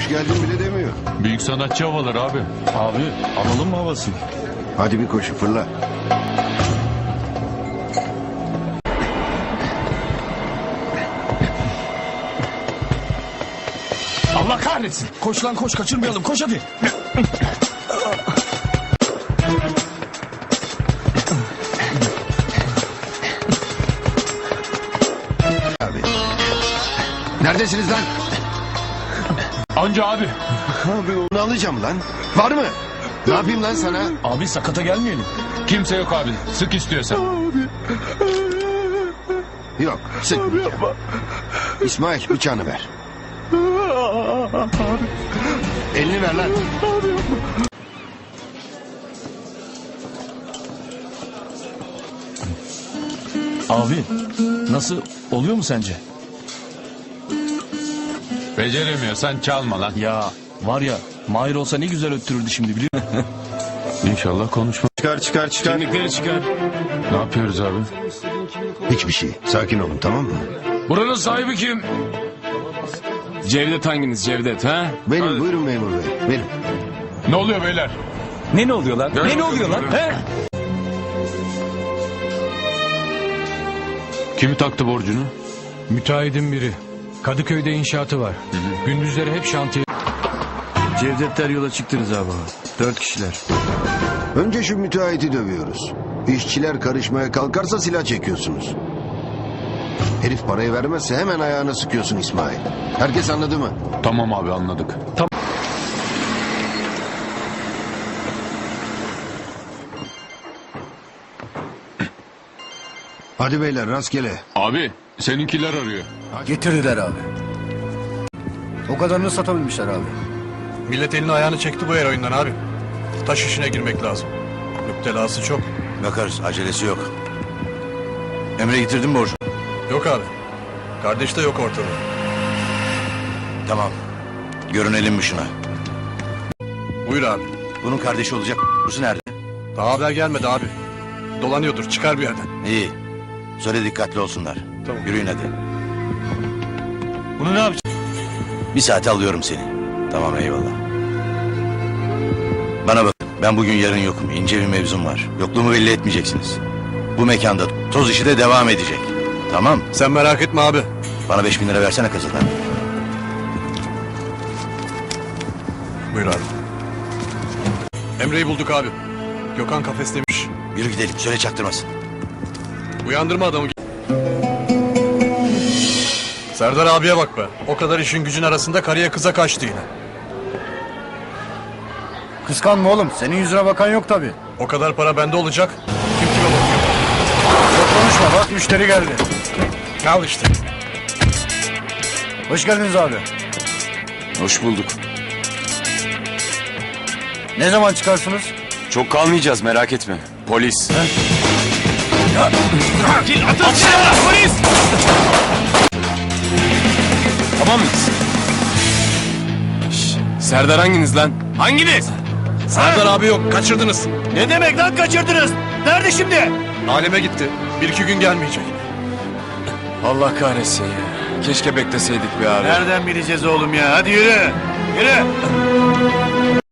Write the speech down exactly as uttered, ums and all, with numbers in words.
hoş geldin bile demiyor. Büyük sanatçı havaları abi. Abi alalım mı havasını? Hadi bir koşu fırla. Allah kahretsin. Koş lan koş, kaçırmayalım, koş hadi. Abi. Neredesiniz lan? Anca abi. Abi onu alacağım lan. Var mı? Ne yapayım lan sana? Abi sakata gelmeyelim. Kimse yok abi. Sık istiyorsan. Yok sıkmayacağım. İsmail bıçağını ver. Elini ver lan. Abi nasıl, oluyor mu sence? Beceremiyorsan çalma lan. Ya var ya, Mahir olsa ne güzel öttürürdü şimdi, biliyor musun? İnşallah konuşma. Çıkar çıkar çıkar. Kimlikleri çıkar. Ne yapıyoruz abi? Hiçbir şey. Sakin olun tamam mı? Buranın sahibi kim? Cevdet hanginiz Cevdet ha? Benim Hadi. buyurun memur bey. Benim. Ne oluyor beyler? Ne ne oluyor lan? Gel ne ne bakalım, oluyor lan? yürü. He? Kimi taktı borcunu? Müteahhidin biri. Kadıköy'de inşaatı var. Gündüzleri hep şantiye. Cevdetler yola çıktınız abi. Dört kişiler. Önce şu müteahhiti dövüyoruz. İşçiler karışmaya kalkarsa silah çekiyorsunuz. Herif parayı vermezse hemen ayağına sıkıyorsun İsmail. Herkes anladı mı? Tamam abi anladık. Hadi beyler rastgele. Abi seninkiler arıyor. Getirdiler abi. O kadarını satabilmişler abi. Millet elini ayağını çekti bu el oyundan abi. Taş işine girmek lazım. Müptelası çok. Bakarız, acelesi yok. Emre getirdin mi borcu? Yok abi. Kardeş de yok ortada. Tamam. Görünelim mi şuna? Buyur abi. Bunun kardeşi olacak. Burası nerede? Daha haber gelmedi abi. Dolanıyordur, çıkar bir yerden. İyi. Söyle dikkatli olsunlar. Tamam. Yürüyün hadi. Bunu ne yapacağız? Bir saate alıyorum seni. Tamam eyvallah. Bana bak. Ben bugün yarın yokum. İnce bir mevzum var. Yokluğumu belli etmeyeceksiniz. Bu mekanda toz işi de devam edecek. Tamam. Sen merak etme abi. Bana beş bin lira versene kasadan. Buyur abi. Emre'yi bulduk abi. Gökhan kafestemiş. Yürü gidelim. Söyle çaktırmasın. Uyandırma adamı. Serdar abiye bak be. O kadar işin gücün arasında karıya kıza kaçtı yine. Kıskanma oğlum. Senin yüzüne bakan yok tabii. O kadar para bende olacak. Kim kime bakıyor? Çok konuşma. Bak müşteri geldi. Al işte. Hoş geldiniz abi. Hoş bulduk. Ne zaman çıkarsınız? Çok kalmayacağız merak etme. Polis. Tamam mıyız? Şş, Serdar hanginiz lan? Hanginiz? Serdar abi yok. Kaçırdınız. Ne demek lan kaçırdınız? Nerede şimdi? Aleme gitti. Bir iki gün gelmeyecek. Allah kahretsin ya. Keşke bekleseydik bir abi. Nereden bileceğiz oğlum ya? Hadi yürü. Yürü.